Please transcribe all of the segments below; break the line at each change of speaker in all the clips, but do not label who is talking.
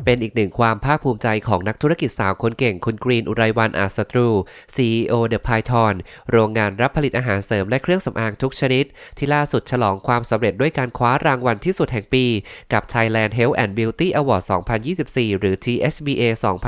เป็นอีกหนึ่งความภาคภูมิใจของนักธุรกิจสาวคนเก่งคุณกรีนอุไรวรรณอาจศัตรู CEO The Python โรงงานรับผลิตอาหารเสริมและเครื่องสำอางทุกชนิดที่ล่าสุดฉลองความสำเร็จด้วยการคว้ารางวัลที่สุดแห่งปีกับ Thailand Health and Beauty Award 2024 หรือ THBA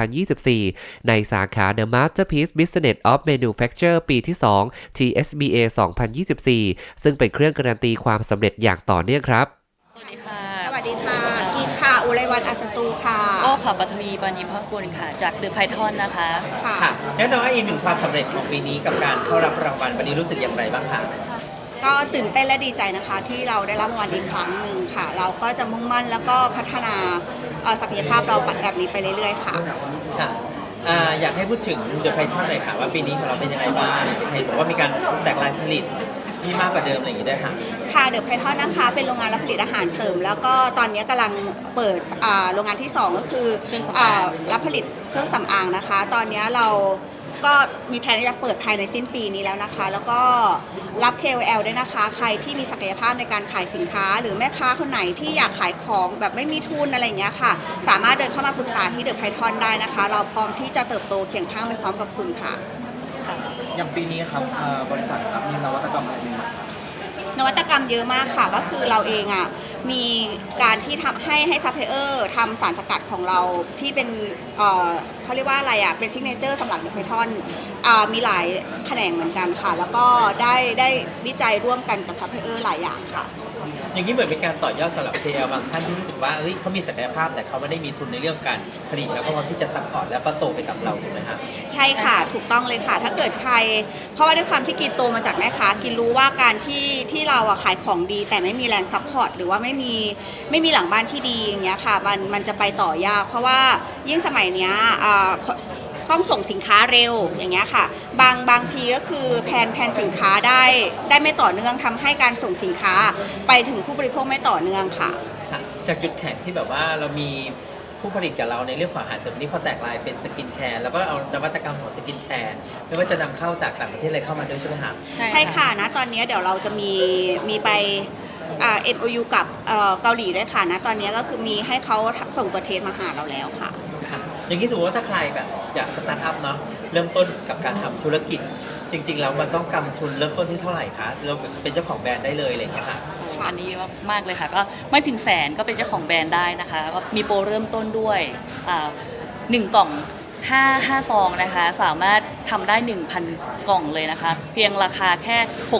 2024 ในสาขา The Masterpiece Business of Manufacture ปีที่ 2 THBA 2024 ซึ่งเป็นเครื่องการันตีความสำเร็จอย่างต่อเนื่องครับ
สวัสดีค่ะ
สวัสดีค่ะกินค่ะอุไรวรรณอัศตูค่ะ
โอ้ค่ะปัทวีปานิมภกุลค่ะจากเดอะไพทอนนะคะ
ค่ะ
แน่นอนว่าอีกหนึ่งความสำเร็จของปีนี้กับการเข้ารับรางวัลวันนี้รู้สึกอย่างไรบ้างคะ
ก็ตื่นเต้นและดีใจนะคะที่เราได้รับรางวัลอีกครั้งหนึ่งค่ะเราก็จะมุ่งมั่นแล้วก็พัฒนาศักยภาพเราแบบนี้ไปเรื่อยๆค่ะ
อยากให้พูดถึงเดอะไพทอนหน่อยค่ะว่าปีนี้ของเราเป็นยังไงบ้างเห็นบอกว่ามีการแตกลายผลิตที่มากกว่าเดิมอะไรอย่างนี้ด้วยค่ะ
ค่ะเดอะไพทอนนะคะเป็นโรงงานรับผลิตอาหารเสริมแล้วก็ตอนนี้กำลังเปิดโรงงานที่2ก็คือรับผลิตเครื่องสำอางนะคะตอนนี้เราก็มีแผนที่จะเปิดภายในสิ้นปีนี้แล้วนะคะแล้วก็รับ KOL ด้วยนะคะใครที่มีศักยภาพในการขายสินค้าหรือแม่ค้าคนไหนที่อยากขายของแบบไม่มีทุนอะไรอย่างเงี้ยค่ะสามารถเดินเข้ามาปรึกษาที่เดอะไพทอนได้นะคะเราพร้อมที่จะเติบโตเคียงข้างไปพร้อมกับคุณค่ะ
อย่างปีนี้ครับบริษัทครับมีนวัตกรรมอะไรใหม่ๆครับ
นวัตกรรมเยอะมากค่ะก็คือเราเองมีการที่ทำให้ซัพพลายเออร์ทำสารสกัดของเราที่เป็นเขาเรียกว่าอะไรเป็นซิกเนเจอร์สำหรับเดอะไพทอนมีหลายแขนงเหมือนกันค่ะแล้วก็ได้วิจัยร่วมกันกับซัพพลายเออร์หลายอย่างค่ะ
อย่างนี้เหมือนเป็นการต่อยอดสำหรับ KL บางท่านที่รู้สึกว่าเขามีศักยภาพแต่เขาไม่ได้มีทุนในเรื่องการผลิตแล้วก็พร้อมที่จะซัพพอร์ตแล้วก็โตไปกับเราถูกไหมครับ
ใช่ค่ะถูกต้องเลยค่ะถ้าเกิดใครเพราะว่าด้วยความที่กินโตมาจากแม่ค้ากินรู้ว่าการที่เราขายของดีแต่ไม่มีแรงซัพพอร์ตหรือว่าไม่มีหลังบ้านที่ดีอย่างเงี้ยค่ะมันจะไปต่อยากเพราะว่ายิ่งสมัยเนี้ยต้องส่งสินค้าเร็วอย่างเงี้ยค่ะบางทีก็คือแผนสินค้าได้ไม่ต่อเนื่องทำให้การส่งสินค้าไปถึงผู้บริโภคไม่ต่อเนื่องค่ะ
จากจุดแข็งที่แบบว่าเรามีผู้ผลิตกับเราในเรื่องของอาหารเสริมนี้พอแตกลายเป็นสกินแคร์แล้วก็เอานวัตกรรมของสกินแคร์ไม่ว่าจะนำเข้าจากต่างประเทศอะไรเข้ามาด้วยใช่ไหมครับ
ใช่ค่ะนะตอนนี้เดี๋ยวเราจะมีไปMOU กับเกาหลีด้วยค่ะนะตอนนี้ก็คือมีให้เขาส่งตัวเทสมาหาเราแล้วค่ะ
อย่างนี้สมมติว่าถ้าใครแบบอยากสตาร์ทอัพเนาะเริ่มต้นกับการทำธุรกิจจริงๆแล้วมันต้องกำทุนเริ่มต้นที่เท่าไหร่คะเราเป็นเจ้าของแบรนด์ได้เลยอะไรอย่างเงี้ยค่ะ
อันนี้มากเลยค่ะก็ไม่ถึงแสนก็เป็นเจ้าของแบรนด์ได้นะคะก็มีโปรเริ่มต้นด้วย1 กล่อง5ซองนะคะสามารถทำได้ 1,000 กล่องเลยนะคะเพียงราคาแค่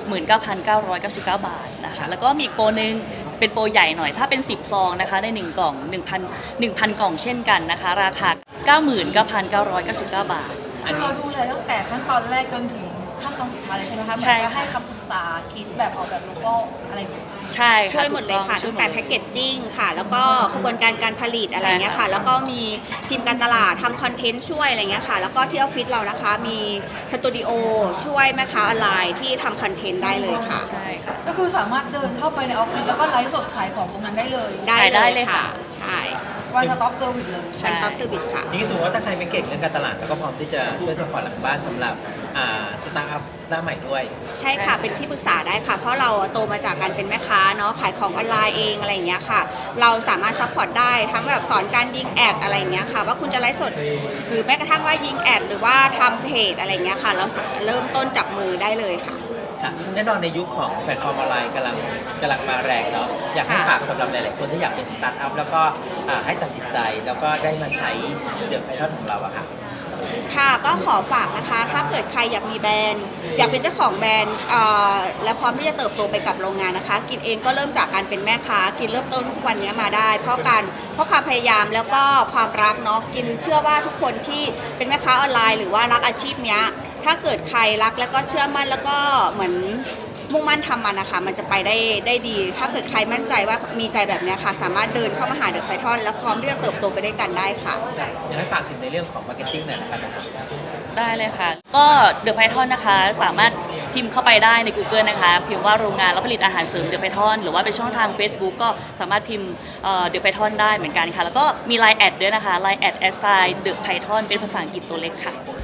69,999 บาทนะคะแล้วก็มีอีกโปรนึงเป็นโปรใหญ่หน่อยถ้าเป็น10ซองนะคะได้1 กล่อง 1,000 กล่องเช่นกันนะคะราคา 99,999 บาท
อันนี้เราดูเลยตั้งแต่ขั้นตอนแรกจนถึงขั้นตอนสุดท้ายเลยใช่ไหมคะใช่ให้คำปรึกษาคิดแบบออกแบบโลโก้อะไร
ใช่
ช่วยหมดเลยค่ะตั้งแต่แพ็กเกจจิ้งค่ะแล้วก็กระบวนการผลิตอะไรเงี้ยค่ะแล้วก็มีทีมการตลาดทำคอนเทนต์ช่วยอะไรเงี้ยค่ะแล้วก็ที่ออฟฟิศเรานะคะมีสตูดิโอช่วยแม่ค้าออนไลน์ที่ทำคอนเทนต์ได้เลยค่ะ
ใช่ค่ะ
ก็คือสามารถเดินเข้าไปในออฟฟิศแล้วก็ไลฟ์สดขายของตรงนั้นได้เลย
ได้เลยค่ะใช่
วันสต็อปเซอร์วิสเลย
วันสต็อปเซอร์วิสค่ะ
นี่สมมติว่าถ้าใครไม่เก่งเรื่องการตลาดแล้วก็พร้อมที่จะช่วยสปอร์ตหลังบ้านสำหรับสตาร์ทอัพหน้าใหม่ด้วย
ใช่ค่ะเป็นที่ปรึกษาได้ค่ะเพราะเราโตมาจากการเป็นแม่ค้าเนาะขายของออนไลน์เองอะไรอย่างเงี้ยค่ะเราสามารถซัพพอร์ตได้ทั้งแบบสอนการยิงแอดอะไรอย่างเงี้ยค่ะว่าคุณจะไลฟ์สดหรือแม้กระทั่งว่ายิงแอดหรือว่าทำเพจอะไรอย่างเงี้ยค่ะเราเริ่มต้นจับมือได้เลยค่ะ
แน่นอนในยุคของแพลตฟอร์มออนไลน์กำลังมาแรงเนาะอยากให้ฝากสำหรับหลายๆคนที่อยากเป็นสตาร์ทอัพแล้วก็ให้ตัดสินใจแล้วก็ได้มาใช้เดอะไพทอนของเราอะค่ะ
ค่ะก็ขอฝากนะคะถ้าเกิดใครอยากมีแบรนด์อยากเป็นเจ้าของแบรนด์และพร้อมที่จะเติบโตไปกับโรงงานนะคะกินเองก็เริ่มจากการเป็นแม่ค้ากินเริ่มต้นทุกวันนี้มาได้เพราะความพยายามแล้วก็ความรักเนาะกินเชื่อว่าทุกคนที่เป็นแม่ค้าออนไลน์หรือว่ารักอาชีพเนี้ยถ้าเกิดใครรักแล้วก็เชื่อมั่นแล้วก็เหมือนมุ่งมั่นทำมันนะคะมันจะไปได้ดีถ้าเกิดใครมั่นใจว่ามีใจแบบนี้ค่ะสามารถเดินเข้ามาหาเดอะไพทอนแล้วพร้อมที่จะเติบโตไปด้วยกันได้ค่ะ
อยากให้ฝากถึงในเรื่องของมาร์เก็ตติ้งหน่อยนะครับ
ได้เลยค่ะก็เดอะไพทอนนะคะสามารถพิมพ์เข้าไปได้ใน Google นะคะพิมพ์ว่าโรงงานรับผลิตอาหารเสริมเดอะไพทอนหรือว่าเป็นช่องทาง Facebook ก็สามารถพิมพ์เดอะไพทอนได้เหมือนกันค่ะแล้วก็มี Line แอดด้วยนะคะ Line แอดเดอะไพทอนเป็นภาษาอังกฤษตัวเล็กค่ะ